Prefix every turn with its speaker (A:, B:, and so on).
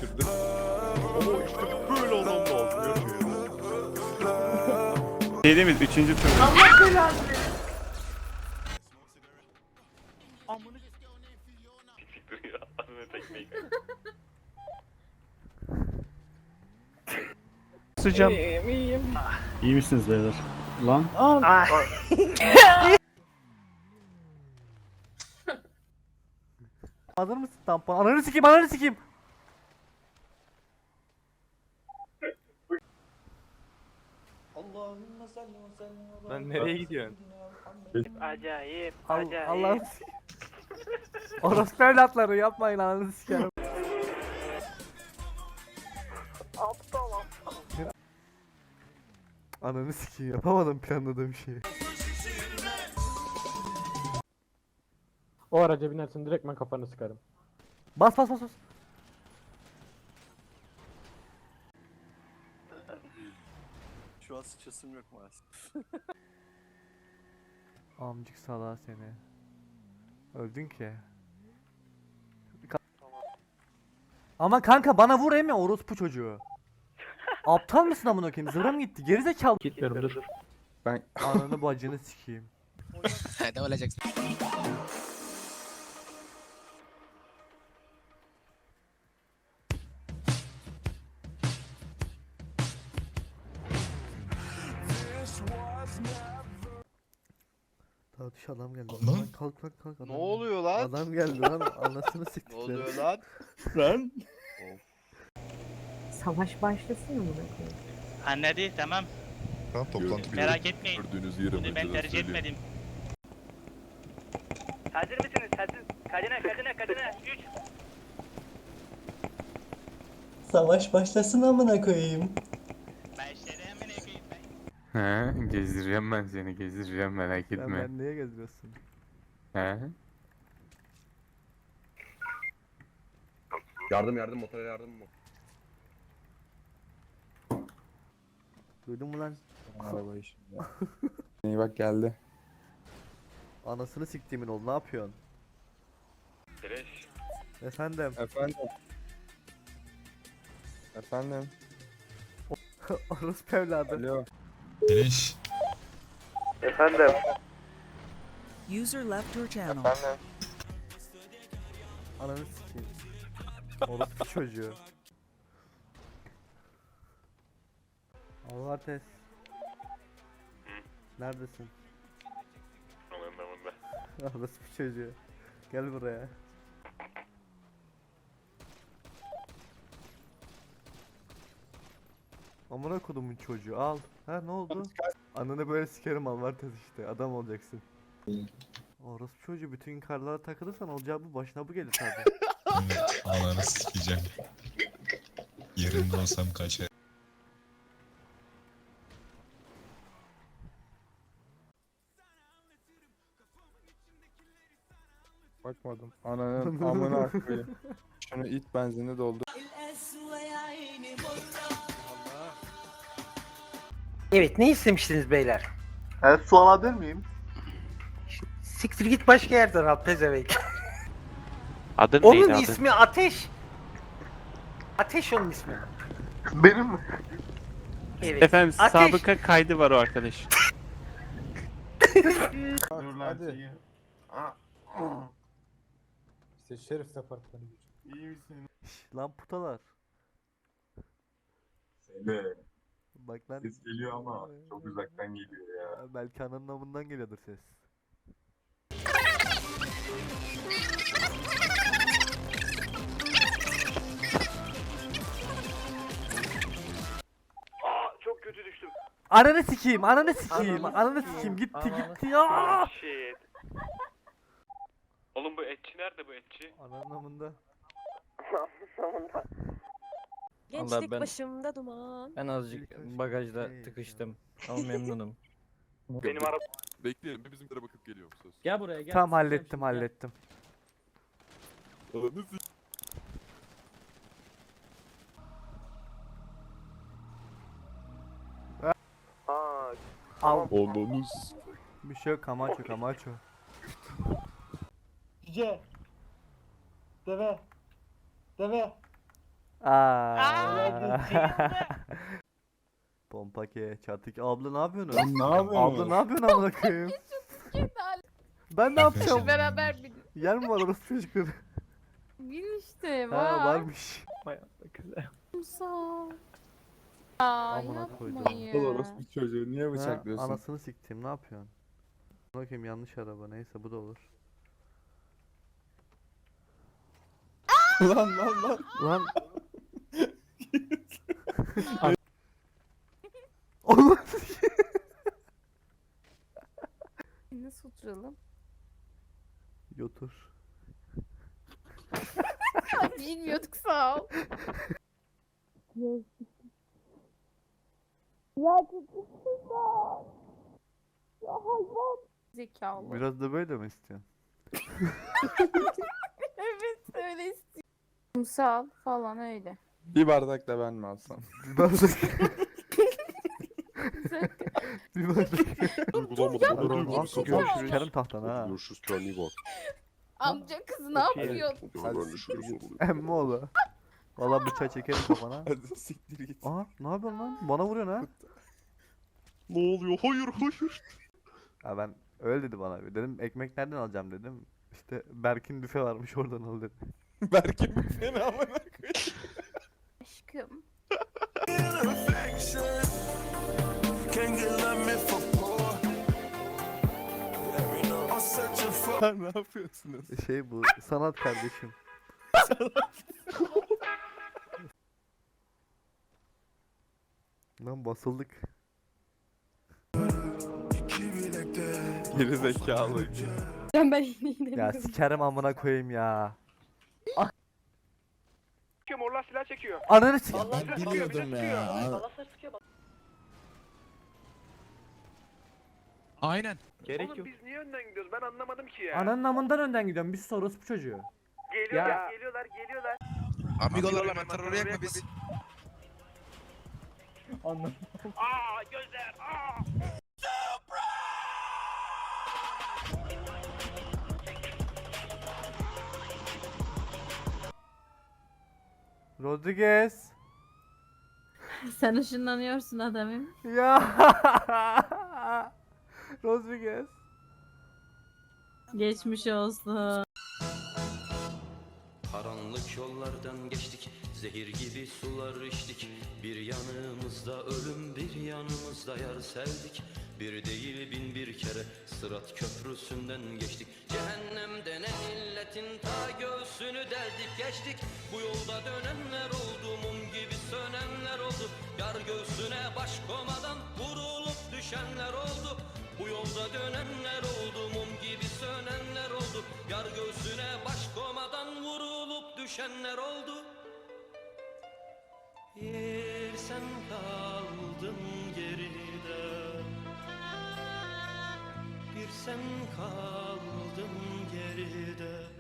A: düşürdü.
B: Oo işte böyle adam lazım.
C: Şey değil mi? Üçüncü tur.
D: Allah belanı.
B: Amını siktir ya. Anne tekmeyi
C: Sıcam.
A: İyiyim.
C: İyi misiniz beyler? Lan.
D: Hazır mısın tampon? Ananı sikeyim, ananı sikeyim.
A: Lan nereye gidiyorsun?
E: Acayip,
D: Allah'ım. Orospu evlatları yapmayın ananı sikerim. Ananı sikeyim yapamadım planladığım şeyi.
F: O araca binersin direkt ben kafanı sıkarım.
D: Bas bas bas bas.
G: Şu an sıçasım yok maalesef.
D: Amcık salağı seni. Öldün ki. Ama kanka bana vur emi orospu çocuğu. Aptal mısın amına koyayım? Zıra mı gitti? Gerizekalı.
F: Gitmiyorum dur.
D: Ananı bacını sikeyim.
H: Ne olacaksın?
D: Tartış adam geldi.
H: Ne?
D: Lan kalk kalk kalk. Adam
G: Ne oluyor lan?
D: Adam geldi lan anasını
G: Ne
D: siktikler.
G: oluyor lan?
B: Lan.
I: Savaş başlasın mı koyayım?
E: Anladı, tamam.
A: Tamam toplantı
E: Merak etmeyin.
A: gördüğünüz yeri
E: Bunu ben tercih etmedim. Hazır mısınız? Hazır. Kadına. 3.
J: Savaş başlasın amına koyayım.
E: Başladı hemen ekeyim ben.
C: He, gezdireceğim ben seni, gezdireceğim merak
D: Sen
C: etme.
D: ben niye geziyorsun?
C: He?
G: Yardım motora yardım mı?
D: Duydun mu lan?
A: Arabayı şimdi. İyi bak geldi.
D: Anasını siktiğimin oğlu ne yapıyorsun?
B: Fresh.
D: Efendim.
A: Efendim.
D: Orospu evladı.
A: Alo.
H: Beleş.
D: Efendim.
I: User left your channel.
D: Ananı sikeyim. Orospu çocuğu. Allah test. Neredesin?
B: Anında.
D: Orospu çocuğu. Gel buraya. Amına kodumun çocuğu al. Ha ne oldu? Ananı böyle sikerim al var tez işte adam olacaksın. Orospu çocuğu bütün karlara takılırsan olacağı bu başına bu gelir tabi.
H: Ananı sikeceğim. Yerinde olsam kaçar.
A: Bakmadım. Ananın amına koyayım. Şunu it benzinli doldur.
E: Evet, ne istemiştiniz beyler?
G: Evet su alabilir miyim?
E: Siktir git başka yerden al pezevenk.
C: Adın
E: Onun ismi Ateş. Ateş onun ismi.
G: Benim mi?
E: Evet.
C: Efendim
E: Ateş.
C: sabıka kaydı var o arkadaş.
A: Hadi.
F: İşte şerif departmanı.
D: Lan putalar.
G: Söyle.
D: Bak lan.
G: Ses geliyor ama çok uzaktan geliyor ya.
D: Belki ananın amından geliyordur ses.
E: Çok kötü düştüm.
D: Ananı sikeyim, ananı sikeyim, ananı sikeyim gitti ya.
B: Shit. Oğlum bu etçi nerede bu etçi?
D: Ananın amında.
I: Gençlik başımda duman.
F: Ben azıcık bagajda tıkıştım. Ama memnunum.
B: Benim araba.
A: Bekleyelim. Bizimlere bakıp geliyorum söz.
F: Gel buraya gel.
D: Tamam hallettim.
A: Ananı s***.
D: Al.
A: Ananı s***.
D: Bir şey yok Camacho.
F: Cüce. Deve.
D: Pompake, çatık. Abla ne yapıyorsun?
A: Lan ne yapıyorsun?
D: Abla ne yapıyorsun amına koyayım? Ben ne yapacağım?
I: Beraber
D: Yer mi var orası çocukları?
I: bin işte
D: Ha varmış.
I: Sağ
D: Amına koydum.
A: Aptal orospu çocuğu niye
D: Ha,
A: bıçaklıyorsun?
D: anasını siktim ne yapıyorsun? Bakayım yanlış araba neyse bu da olur.
A: Lan.
D: Lan. Allah.
I: Nasıl oturalım?
D: Yotur.
I: Bilmiyorduk sağ ol. Zekalı.
D: Biraz da böyle mi istiyorsun?
I: Evet öyle istiyorum. Kumsal falan öyle.
A: Bir bardak da ben mi alsam?
D: Bir bardak. Bir bardak.
G: Uygulamadı.
D: Aslı görüşürüz. Kerim tahtan ha.
G: Görüşürüz kendine iyi bak.
I: Amca kız ne yapıyor?
D: Emmi oğlu. Valla bıçağı çekerim kafana.
A: Hadi siktir git.
D: Aa ne yapıyorsun lan? Bana vuruyorsun ha.
G: Ne oluyor? Hayır.
D: Ya ben öyle dedi bana. Dedim ekmek nereden alacağım dedim. İşte Berk'in büfe varmış oradan al dedi.
A: Berk'in seni amına koyayım.
I: Aşkım.
A: Ne yapıyorsunuz?
D: Şey bu sanat kardeşim. Lan basıldık.
A: Geri zekalı.
I: Ben yine
D: Ya sikerim amına koyayım ya.
B: Çekiyor morlar silah çekiyor.
D: Ananı sik.
H: Biliyordum ya. Aynen.
B: Oğlum biz niye önden gidiyoruz? Ben anlamadım ki ya.
D: Ananın amından önden gidiyorum. Biz orospu çocuğu.
B: Geliyorlar.
H: Amigolar hemen terör yakma biz.
B: Aa gözler. Aa.
D: Rodriguez.
I: Sen ışınlanıyorsun adamım.
D: Ya. Rodriguez.
I: Geçmiş olsun.
K: Karanlık yollardan geçtik, zehir gibi sular içtik. Bir yanımızda ölüm, bir yanımızda yar sevdik. Bir değil bin bir kere Sırat köprüsünden geçtik. Cehennem denen illetin ta göğsünü deldik geçtik. Bu yolda dönenler oldu, mum gibi sönenler oldu. Yar göğsüne baş komadan vurulup düşenler oldu. Bu yolda dönenler oldu, mum gibi sönenler oldu. Yar göğsüne baş komadan vurulup düşenler oldu. Yer sen kaldın geride, bir sen kaldın geride.